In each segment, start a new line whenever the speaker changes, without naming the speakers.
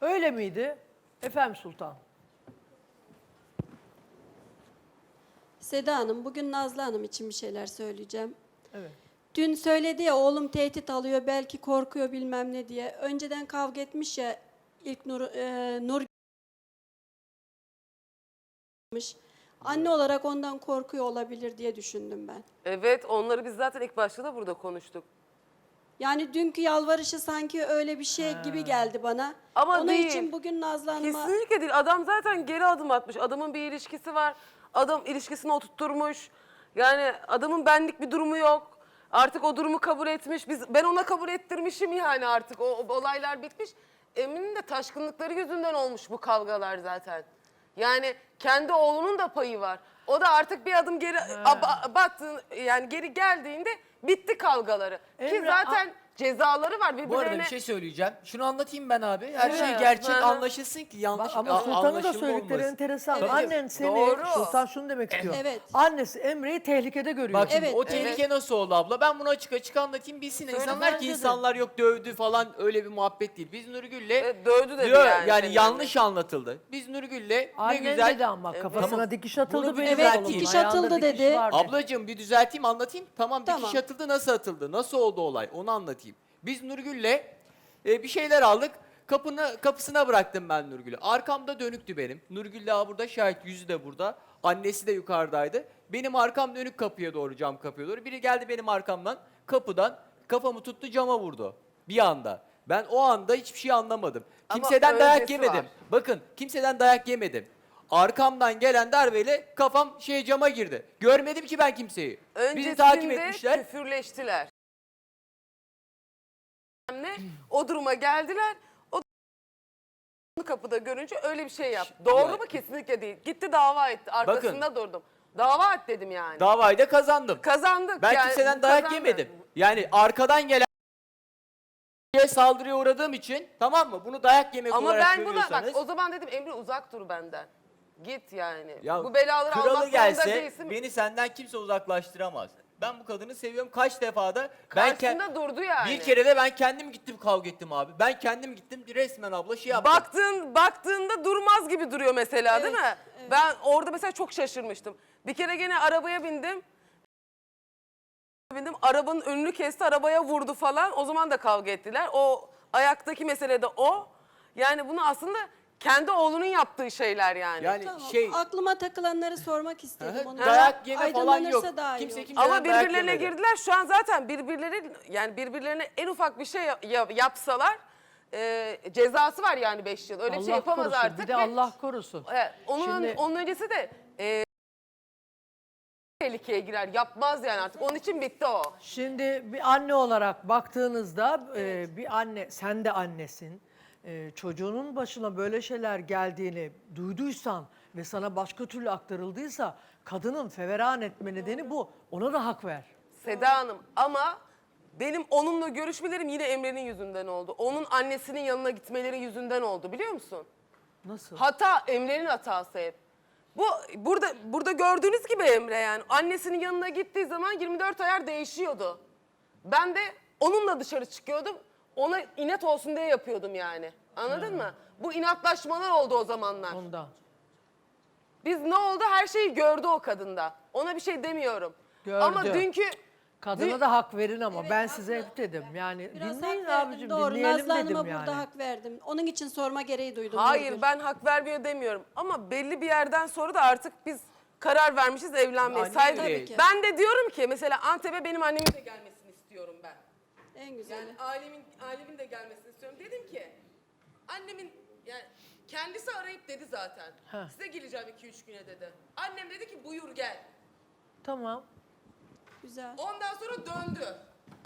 Öyle miydi? Efendim Sultan.
Seda Hanım, bugün Nazlı Hanım için bir şeyler söyleyeceğim.
Evet.
Dün söyledi ya, oğlum tehdit alıyor, belki korkuyor bilmem ne diye. Önceden kavga etmiş ya, ilk Nur anne olarak ondan korkuyor olabilir diye düşündüm ben.
Evet, onları biz zaten ilk başta da burada konuştuk.
Yani dünkü yalvarışı sanki öyle bir şey gibi geldi bana.
Ama
Onun
değil.
için bugün Nazlı Hanım'a...
Kesinlikle değil. Adam zaten geri adım atmış. Adamın bir ilişkisi var. Adam ilişkisini oturtturmuş. Yani adamın benlik bir durumu yok. Artık o durumu kabul etmiş. Ben ona kabul ettirmişim yani artık. O olaylar bitmiş. Emin'in de taşkınlıkları yüzünden olmuş bu kavgalar zaten. Yani kendi oğlunun da payı var. O da artık bir adım geri battı, yani geri geldiğinde bitti kavgaları. Ki
Emre,
zaten cezaları var birbirlerine.
Bu arada bir şey söyleyeceğim. Şunu anlatayım ben abi. Her şey
Evet.
gerçek
Hı hı.
anlaşılsın ki yanlış
Ama Sultan'ın da
anlaşılma
söyledikleri
olmasın.
enteresan.
Evet.
Annen seni,
Doğru.
Sultan şunu demek istiyor.
Evet.
Annesi Emre'yi tehlikede görüyor.
Bak şimdi
Evet,
o tehlike nasıl oldu abla? Ben bunu açık açık anlatayım bilsin. İnsanlar
bence
ki
de.
insanlar yok dövdü falan öyle bir muhabbet değil. Biz Nurgül'le
Dövdü dedi
diyor,
yani.
yani
senin
yanlış anlatıldı. Biz Nurgül'le ne
Annen
güzel...
dedi ama kafasına
Tamam.
dikiş atıldı
Bunu bir
benim
düzelteyim.
oğlumun.
Dikiş
Ayağında
atıldı
dikiş
dedi.
vardı.
Ablacığım bir düzelteyim anlatayım. Tamam dikiş
Tamam.
atıldı, nasıl atıldı? Nasıl oldu olay? Onu anlatayım. Biz Nurgül'le bir şeyler aldık. Kapısına bıraktım ben Nurgül'ü. Arkamda dönüktü benim. Nurgül daha burada şahit, yüzü de burada. Annesi de yukarıdaydı. Benim arkam dönük kapıya doğru, cam kapıya doğru. Biri geldi benim arkamdan, kapıdan kafamı tuttu, cama vurdu. Bir anda. Ben o anda hiçbir şey anlamadım.
Ama
Kimseden dayak
öncesi
yemedim.
var.
Bakın kimseden dayak yemedim. Arkamdan gelen darbeyle kafam cama girdi. Görmedim ki ben kimseyi. Bizi takip
Öncesinde
etmişler.
küfürleştiler. O duruma geldiler. O kapıda görünce öyle bir şey yaptı. Doğru mu? Kesinlikle değil. Gitti dava etti. Arkasında durdum. Dava et dedim yani.
Davayı da kazandım.
Kazandık.
Ben
yani,
kimseden dayak
kazandık.
yemedim. Yani arkadan gelen saldırıya uğradığım için, tamam mı? Bunu dayak yemek
Ama
olarak
ben buna bak
görüyorsanız.
o zaman dedim Emre uzak dur benden. Git yani.
Ya
Bu belaları almak
kralı
zorunda
gelse
değilsin.
beni senden kimse uzaklaştıramaz. Ben bu kadını seviyorum. Kaç defa da ben
Karşısında durdu yani.
bir kere de ben kendim gittim kavga ettim abi. Ben kendim gittim resmen abla yaptım.
Baktığında durmaz gibi duruyor mesela değil mi? Ben orada mesela çok şaşırmıştım. Bir kere gene arabaya bindim. Arabanın önünü kesti, arabaya vurdu falan. O zaman da kavga ettiler. O ayaktaki mesele de o. Yani bunu aslında kendi oğlunun yaptığı şeyler yani.
Yani
Tamam,
şey
aklıma takılanları sormak istedim. Onu
dayak yeme falan yok.
aydınlanırsa daha iyi
Kimse
olur.
kimseden
Ama
dayak
birbirlerine
yemedi.
girdiler. Şu an zaten birbirlerine en ufak bir şey yapsalar cezası var yani 5 yıl. Öyle bir şey yapamaz
korusun.
artık.
Bir de
ve-
Allah korusun. Şimdi-
Onun öncesi de tehlikeye girer. Yapmaz yani artık. Onun için bitti o.
Şimdi bir anne olarak baktığınızda bir anne, sen de annesin. Çocuğunun başına böyle şeyler geldiğini duyduysan ve sana başka türlü aktarıldıysa kadının feveran etme nedeni bu. Ona da hak ver.
Seda Hanım ama benim onunla görüşmelerim yine Emre'nin yüzünden oldu. Onun annesinin yanına gitmeleri yüzünden oldu biliyor musun?
Nasıl?
Hata Emre'nin hatası hep. Burada gördüğünüz gibi Emre yani annesinin yanına gittiği zaman 24 ayar değişiyordu. Ben de onunla dışarı çıkıyordum. Ona inat olsun diye yapıyordum yani. Anladın mı? Bu inatlaşmalar oldu o zamanlar.
Ondan.
Biz ne oldu her şeyi gördü o kadında. Ona bir şey demiyorum.
Gördü.
Ama dünkü
Kadına da hak verin ama
Evet,
ben
haklı.
size hep dedim. Yani
Biraz
dinleyin
hak verdim,
abicim,
doğru.
dinleyelim
Nazlı Hanım'a
dedim yani.
burada hak verdim. Onun için sorma gereği duydum.
hayır
Nurgül.
ben hak vermiyor demiyorum. Ama belli bir yerden sonra da artık biz karar vermişiz evlenmeye.
Anne
Saygı-
yüreği.
Tabii ki.
Ben de diyorum ki mesela Antep'e benim annemin de gelmesini istiyorum ben.
En güzeli.
Yani ailemin de gelmesini istiyorum. Dedim ki annemin yani kendisi arayıp dedi zaten.
Heh.
Size geleceğim 2-3 güne dedi. Annem dedi ki buyur gel.
Tamam.
Güzel.
Ondan sonra döndü.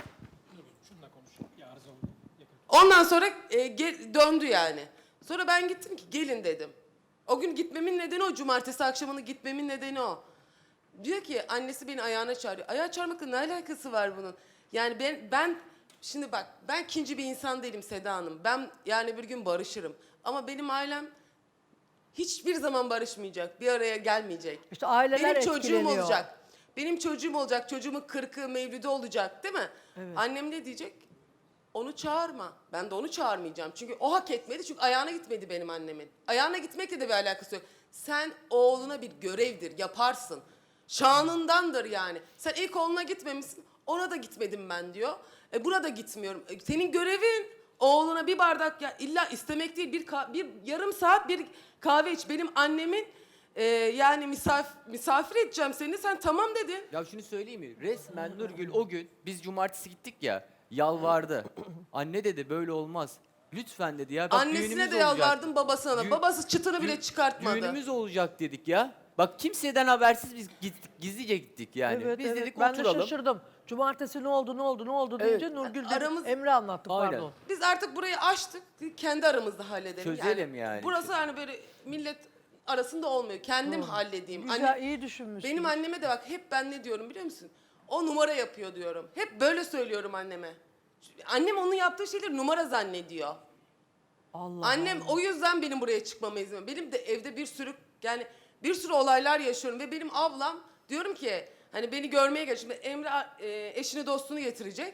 Ondan sonra döndü yani. Sonra ben gittim ki gelin dedim. O gün gitmemin nedeni o. Cumartesi akşamını gitmemin nedeni o. Diyor ki annesi beni ayağına çağırıyor. Ayağa çağırmakla ne alakası var bunun? Yani ben şimdi bak ben ikinci bir insan değilim Seda Hanım. Ben yani bir gün barışırım. Ama benim ailem hiçbir zaman barışmayacak. Bir araya gelmeyecek.
İşte aileler
Benim çocuğum
etkileniyor.
olacak. Benim çocuğum olacak. Çocuğumun 40'ı mevlüdü olacak değil mi?
Evet.
Annem ne diyecek? Onu çağırma. Ben de onu çağırmayacağım. Çünkü o hak etmedi. Çünkü ayağına gitmedi benim annemin. Ayağına gitmekle de bir alakası yok. Sen oğluna bir görevdir, yaparsın. Şanındandır yani. Sen ilk oğluna gitmemişsin, ona da gitmedim ben diyor. Burada gitmiyorum. Senin görevin oğluna bir bardak, ya illa istemek değil, bir yarım saat bir kahve iç. Benim annemin yani misafir edeceğim seni, sen tamam dedin.
Ya şunu söyleyeyim mi? Resmen Nurgül o gün biz cumartesi gittik ya, yalvardı. Anne dedi böyle olmaz. Lütfen dedi ya. Bak,
Annesine
düğünümüz
de
olacak.
yalvardım, babasına da.
Düğün-
Babası çıtını bile
Düğün-
çıkartmadı.
Düğünümüz olacak dedik ya. Bak kimseden habersiz biz gittik, gizlice gittik yani.
Evet,
biz
evet.
dedik
Ben de
oturalım.
şaşırdım. Cumartesi ne oldu deyince
Evet.
Nurgül dedi,
Aramız-
Emre anlattı
Aynen.
pardon.
Biz artık burayı açtık. Kendi aramızda halledelim.
Çözelim yani.
Burası hani böyle millet arasında olmuyor. Kendim halledeyim.
Güzel, iyi düşünmüşsün.
Benim anneme de bak, hep ben ne diyorum biliyor musun? O numara yapıyor diyorum. Hep böyle söylüyorum anneme. Annem onun yaptığı şeyleri numara zannediyor.
Allah
Annem o yüzden benim buraya çıkmama izin veriyor. Benim de evde bir sürü olaylar yaşıyorum ve benim ablam, diyorum ki hani beni görmeye gel. Şimdi Emre eşini dostunu getirecek.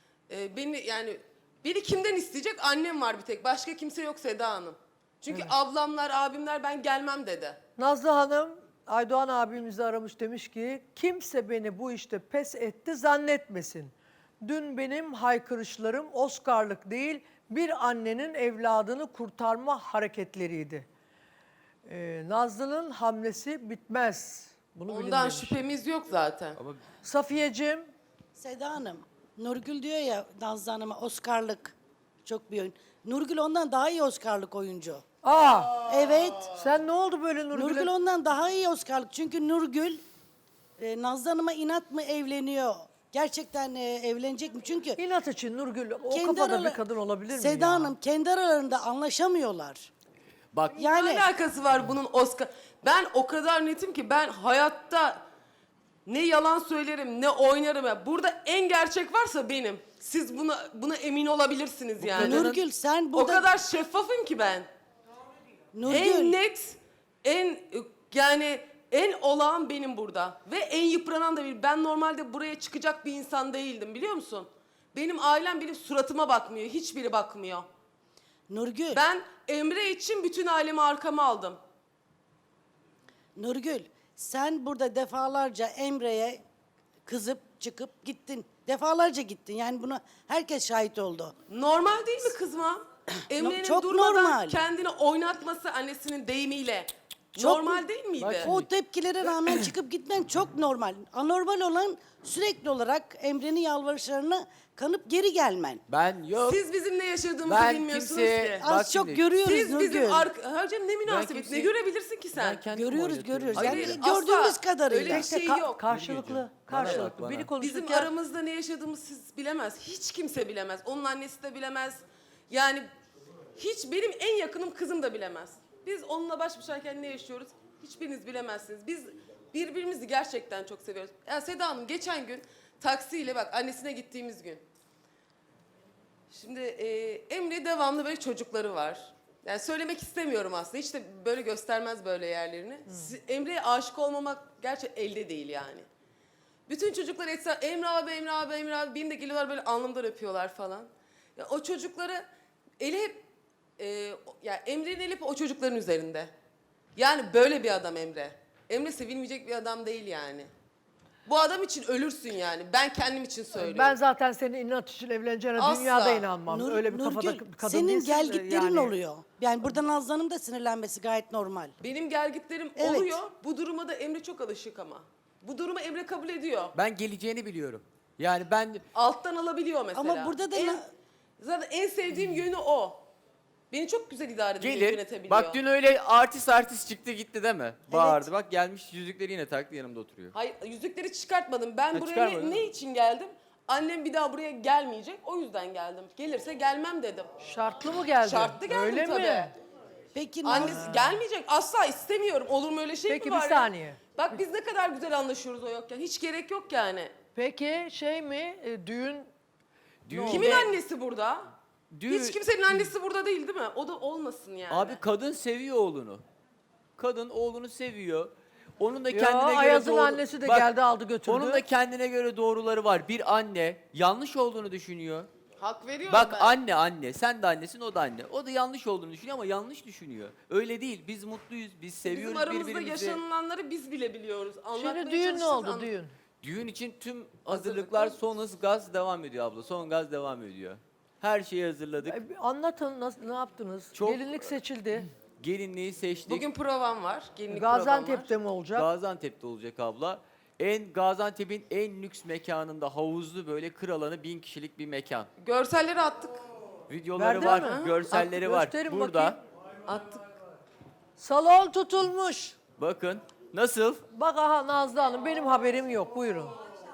Beni kimden isteyecek? Annem var bir tek. Başka kimse yok Seda Hanım. Çünkü ablamlar, abimler ben gelmem dedi.
Nazlı Hanım Aydoğan abimizi aramış, demiş ki kimse beni bu işte pes etti zannetmesin. Dün benim haykırışlarım Oscar'lık değil, bir annenin evladını kurtarma hareketleriydi. Nazlı'nın hamlesi bitmez. Bunu bilin
Ondan
demiş.
şüphemiz yok zaten.
Ama
Safiyeciğim,
Seda Hanım, Nurgül diyor ya Nazlı Hanım'a Oscar'lık çok bir oyun. Nurgül ondan daha iyi Oscar'lık oyuncu. Evet.
sen ne oldu böyle Nurgül'e?
Nurgül ondan daha iyi Oscar'lık. Çünkü Nurgül Nazlı Hanım'a inat mı evleniyor? Gerçekten evlenecek mi? Çünkü
İnat için Nurgül o
kendi
kafada
aralar-
bir kadın olabilir mi
Seda
ya?
Hanım kendi aralarında anlaşamıyorlar.
bak
Yani
Ne alakası var bunun Oscar? Ben o kadar netim ki ben hayatta ne yalan söylerim ne oynarım. Burada en gerçek varsa benim. Siz buna emin olabilirsiniz yani.
Nurgül sen
O
burada
kadar şeffafım ki ben.
Nurgül
En net, en olağan benim burada. Ve en yıpranan da bir. Ben normalde buraya çıkacak bir insan değildim, biliyor musun? Benim ailem benim suratıma bakmıyor. Hiçbiri bakmıyor.
Nurgül
Ben Emre için bütün ailemi arkama aldım.
Nurgül sen burada defalarca Emre'ye kızıp çıkıp gittin. Defalarca gittin. Yani buna herkes şahit oldu.
Normal değil mi kızma? Emre'nin
çok
durmadan
normal.
kendini oynatması annesinin deyimiyle.
Çok-
Normal değil miydi?
Bak
O tepkilere rağmen çıkıp gitmen çok normal. Anormal olan sürekli olarak Emre'nin yalvarışlarına kanıp geri gelmen.
ben yok.
Siz bizim ne yaşadığımızı
Ben
bilmiyorsunuz
kimseye-
ki.
Bak
Az çok
şimdi,
görüyoruz
Siz
Nurgül.
bizim Hocam ne münasebet,
kimseyi-
ne görebilirsin ki sen?
Ben kendim
Görüyoruz,
oynatıyorum.
görüyoruz.
Hayır,
Yani
asla.
gördüğümüz kadarıyla.
Öyle bir şey yok.
Karşılıklı,
Bana
karşılıklı.
bak,
Biri
bana.
konuşurken
Bizim aramızda ne yaşadığımızı siz bilemez. Hiç kimse bilemez. Onun annesi de bilemez. Yani hiç benim en yakınım kızım da bilemez. Biz onunla baş başayken ne yaşıyoruz hiçbiriniz bilemezsiniz. Biz birbirimizi gerçekten çok seviyoruz. Ya Seda Hanım geçen gün taksiyle bak annesine gittiğimiz gün. Şimdi Emre devamlı böyle çocukları var. Yani söylemek istemiyorum aslında. Hiç de böyle göstermez böyle yerlerini. Emre'ye aşık olmamak gerçi elde değil yani. Bütün çocuklar Emre abi, Emre abi, Emre abi. Benim de geliyorlar böyle alnımdan öpüyorlar falan. Ya o çocukları eli hep ya Emre'nin eli hep o çocukların üzerinde. Yani böyle bir adam Emre. Emre sevilmeyecek bir adam değil yani. Bu adam için ölürsün yani. Ben kendim için söylüyorum.
ben zaten senin inat için evleneceğine
Asla.
dünyada inanmam.
Nur-
Öyle bir
Nurgül,
kafada bir kadın
senin
değilsin
gel
de
gitlerin
yani.
oluyor. Yani burada Nazlı Hanım da sinirlenmesi gayet normal.
Benim gelgitlerim
Evet.
oluyor. Bu duruma da Emre çok alışık ama. Bu durumu Emre kabul ediyor.
Ben geleceğini biliyorum. Yani ben
Alttan alabiliyor mesela.
Ama burada da
zaten en sevdiğim yönü o. Beni çok güzel idare ediyor,
gelir.
yönetebiliyor.
Bak dün öyle artist çıktı gitti değil mi? Bağırdı. Bak gelmiş yüzükleri yine taktı yanımda oturuyor.
Hayır, yüzükleri çıkartmadım. Ben
Ha,
buraya
çıkarmadın
ne
mı?
için geldim? Annem bir daha buraya gelmeyecek. O yüzden geldim. Gelirse gelmem dedim.
Şartlı mı geldi?
Şartlı geldim
Öyle
tabii.
mi?
Peki
Annesi gelmeyecek. Asla istemiyorum. Olur mu öyle şey
Peki,
mi
bir
var
saniye.
ya? Bak biz ne kadar güzel anlaşıyoruz o yokken. Hiç gerek yok yani.
Peki şey mi düğün
Düğün-
Kimin annesi burada?
Düğün-
Hiç kimsenin annesi burada değil değil mi? O da olmasın yani.
Abi kadın seviyor oğlunu. Kadın oğlunu seviyor. Onun da
Ya,
kendine göre
Ayaz'ın
doğru...
annesi de geldi, aldı götürdü.
Onun da kendine göre doğruları var. Bir anne yanlış olduğunu düşünüyor.
Hak veriyorum
Bak
ben.
anne. Sen de annesin, o da anne. O da yanlış olduğunu düşünüyor ama yanlış düşünüyor. Öyle değil. Biz mutluyuz. Biz seviyoruz
Bizim aramızda
birbirimizi.
yaşanılanları biz bile biliyoruz. Anlatmaya
Şimdi düğün ne
çalıştık,
oldu düğün?
Düğün için tüm hazırlıklar son hız gaz devam ediyor abla. Son gaz devam ediyor. Her şeyi hazırladık.
Bir anlatın ne yaptınız?
Çok-
Gelinlik seçildi.
Gelinliği seçtik.
Bugün provam var. Gelinlik provam var.
Gaziantep'te mi olacak?
Gaziantep'te olacak abla. Gaziantep'in en lüks mekanında havuzlu böyle kır alanı 1000 kişilik bir mekan.
Görselleri attık.
Videoları
Verdiler
var,
mi?
görselleri
At,
var.
gösterin
Burada.
bakayım.
Attık.
Salon tutulmuş.
Bakın nasıl?
Bak aha Nazlı Hanım benim haberim yok. Buyurun.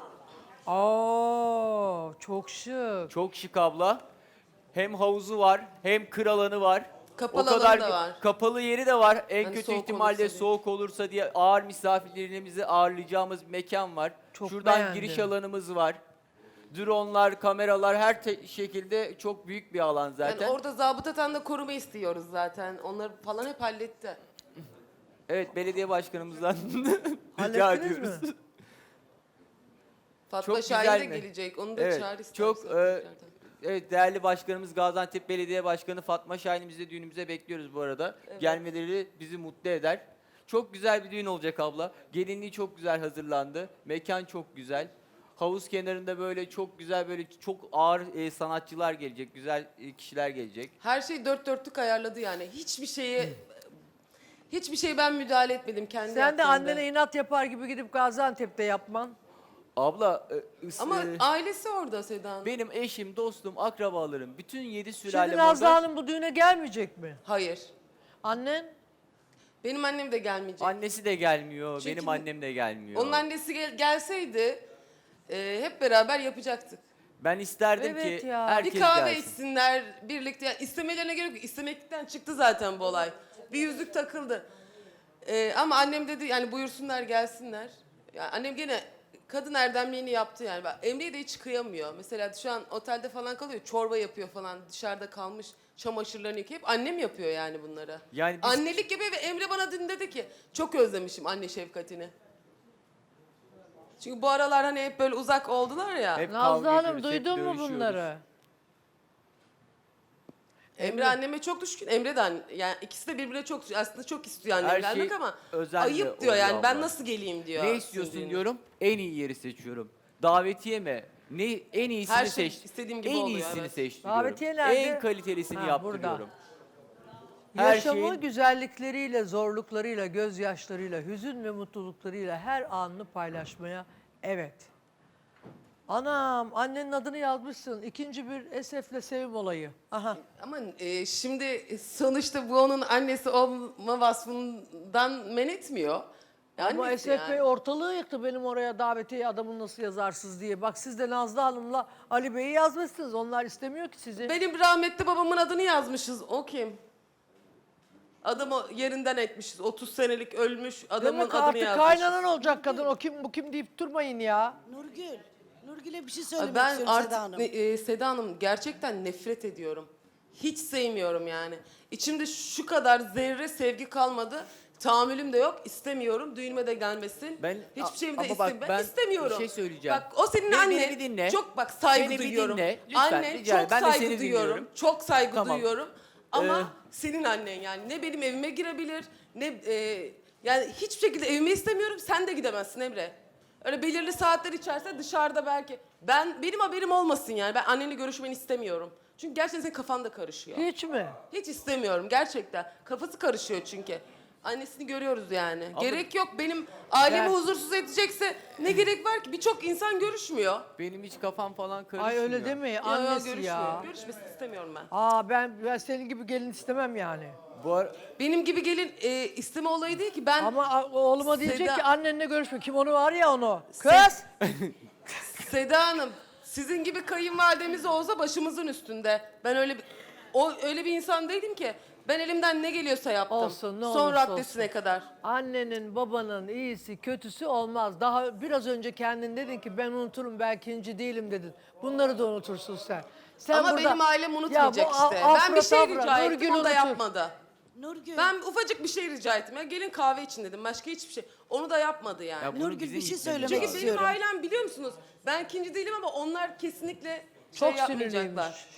Aa, çok şık.
Çok şık abla. Hem havuzu var, hem kır alanı var.
Kapalı alanı da var.
Kapalı yeri de var. En
Hani
kötü
soğuk
ihtimalle
olursa diye.
soğuk olursa diye ağır misafirlerimizi ağırlayacağımız bir mekan var.
Çok
Şuradan
beğendim.
giriş alanımız var. Dronlar, kameralar her şekilde çok büyük bir alan zaten.
Yani orada zabıtadan da koruma istiyoruz zaten. Onları falan hep halletti.
Evet, belediye başkanımızdan rica
Hallettiniz
ediyoruz.
mi?
Fatma
Çok
Şahin de
güzel mi?
gelecek. Onu da
Evet,
çağır istersen.
çok
tekrardan.
evet, değerli başkanımız Gaziantep Belediye Başkanı Fatma Şahin'imizi de düğünümüze bekliyoruz bu arada. Gelmeleri bizi mutlu eder. Çok güzel bir düğün olacak abla. Gelinliği çok güzel hazırlandı. Mekan çok güzel. Havuz kenarında böyle çok güzel, böyle çok ağır sanatçılar gelecek, güzel kişiler gelecek.
Her şey dört dörtlük ayarladı yani. Hiçbir şeye ben müdahale etmedim kendi
Sen de
yaptığımda.
annene inat yapar gibi gidip Gaziantep'te yapman.
Abla
Ama ailesi orada Seda Hanım.
benim eşim, dostum, akrabalarım, bütün 7 sülalem
Şimdi Nazlı
orada.
Hanım bu düğüne gelmeyecek mi?
Hayır.
Annen?
Benim annem de gelmeyecek.
Annesi de gelmiyor,
Çünkü
benim annem de gelmiyor.
Onun annesi gelseydi hep beraber yapacaktık.
Ben isterdim
Evet
ki
ya.
herkes
Bir kahve
gelsin.
içsinler birlikte. Yani istemelerine gerek yok. İstemekten çıktı zaten bu olay. Bir yüzük takıldı. Ama annem dedi yani buyursunlar gelsinler. Yani annem gene kadın erdemliğini yaptı yani. Emre'ye de hiç kıyamıyor. Mesela şu an otelde falan kalıyor. Çorba yapıyor falan. Dışarıda kalmış çamaşırlarını yıkayıp annem yapıyor yani bunları.
Yani biz-
Annelik gibi ve Emre bana dün dedi ki çok özlemişim anne şefkatini. Çünkü bu aralar hani hep böyle uzak oldular ya.
Hep
Nazlı
kavga
Hanım
ediyoruz, hep
duydun mu
dövüşüyoruz.
bunları?
Emre anneme çok düşkün. Emre de yani ikisi de birbirine çok düşkün. Aslında çok istiyor annem
Her
gelmek
şey
ama
özenle
ayıp diyor
oluyor
yani. Ben
abla.
nasıl geleyim diyor.
Ne istiyorsun
sinirlenip.
diyorum. En iyi yeri seçiyorum. Davetiye mi? En iyisini
Her şey
seç.
istediğim gibi
en
oluyor,
iyisini
evet.
seç diyorum.
Davetiye nerede?
En kalitelisini
Ha,
yaptırıyorum.
burada.
Her
Yaşamı
şeyin-
güzellikleriyle, zorluklarıyla, gözyaşlarıyla, hüzün ve mutluluklarıyla her anını paylaşmaya evet. Anam annenin adını yazmışsın. İkinci bir esefle sevim olayı. Aha.
Ama şimdi sonuçta bu onun annesi olma vasfından men etmiyor.
Ama
Annesi
Esef
yani.
Bey ortalığı yıktı benim oraya davetiye adamın nasıl yazarsız diye. Bak siz de Nazlı Hanım'la Ali Bey'i yazmışsınız. Onlar istemiyor ki sizi.
Benim rahmetli babamın adını yazmışız. O kim? Adamı yerinden etmişiz. 30 senelik ölmüş adamın
Demek
adını
artık
yazmışız.
kaynanan olacak kadın. O kim bu kim deyip durmayın ya.
Nurgül'e bir şey söylemek
Ben
istiyorum
artık
Seda Hanım.
Seda Hanım gerçekten nefret ediyorum. Hiç sevmiyorum yani. İçimde şu kadar zerre sevgi kalmadı. Tahammülüm de yok. İstemiyorum. Düğünüme de gelmesin. Hiçbir şeyimi de
ama bak, ben
istemiyorum.
bir şey söyleyeceğim.
Bak o senin
Beni
annen.
bir dinle.
Çok bak saygı
Beni bir
duyuyorum.
dinle. Lütfen,
Annen
rica ederim.
çok
Ben de
saygı
seni
duyuyorum.
dinliyorum.
Çok saygı
Tamam.
duyuyorum. Ama
Ee,
senin annen yani ne benim evime girebilir ne yani hiçbir şekilde evime istemiyorum. Sen de gidemezsin Emre. Öyle belirli saatler içerse dışarıda belki. Benim haberim olmasın yani. Ben anneni görüşmeni istemiyorum. Çünkü gerçekten senin kafan da karışıyor.
Hiç mi?
Hiç istemiyorum gerçekten. Kafası karışıyor çünkü. Annesini görüyoruz yani. Gerek yok. Benim ailemi
Ben-
huzursuz edecekse ne gerek var ki? Birçok insan görüşmüyor.
Benim hiç kafam falan karışmıyor.
Ay öyle deme
Yo,
annesi
görüşmüyor.
ya.
Görüşmesini istemiyorum ben.
Aa ben senin gibi gelin istemem yani.
Bu ara-
Benim gibi gelin isteme olayı değil ki. Ben
Ama oğluma diyecek
Seda-
ki annenle görüşme. Kim onu var ya onu. Kız!
Seda Hanım sizin gibi kayınvalidemiz olsa başımızın üstünde. Ben öyle bir insan değilim ki. Ben elimden ne geliyorsa yaptım.
Olsun, ne
Son
olursa
raddesine kadar.
Annenin, babanın iyisi, kötüsü olmaz. Daha biraz önce kendin dedin ki ben unuturum belki inci değilim dedin. Bunları da unutursun sen. Sen
Ama
burada-
benim ailem unutmayacak
Ya bu
işte.
afra
Ben bir şey
tafra,
rica ettim
Nurgül
o da
unutur.
yapmadı.
Nurgül,
Ben ufacık bir şey rica ettim. Ya gelin kahve için dedim. Başka hiçbir şey. Onu da yapmadı yani.
Ya bunu
Nurgül,
bizim
bir şey
gitmemiz
söylemek
Çünkü
lazım.
benim
istiyorum.
ailem biliyor musunuz? Ben ikinci değilim ama onlar kesinlikle
Çok
yapmayacaklar.
sinirliymiş.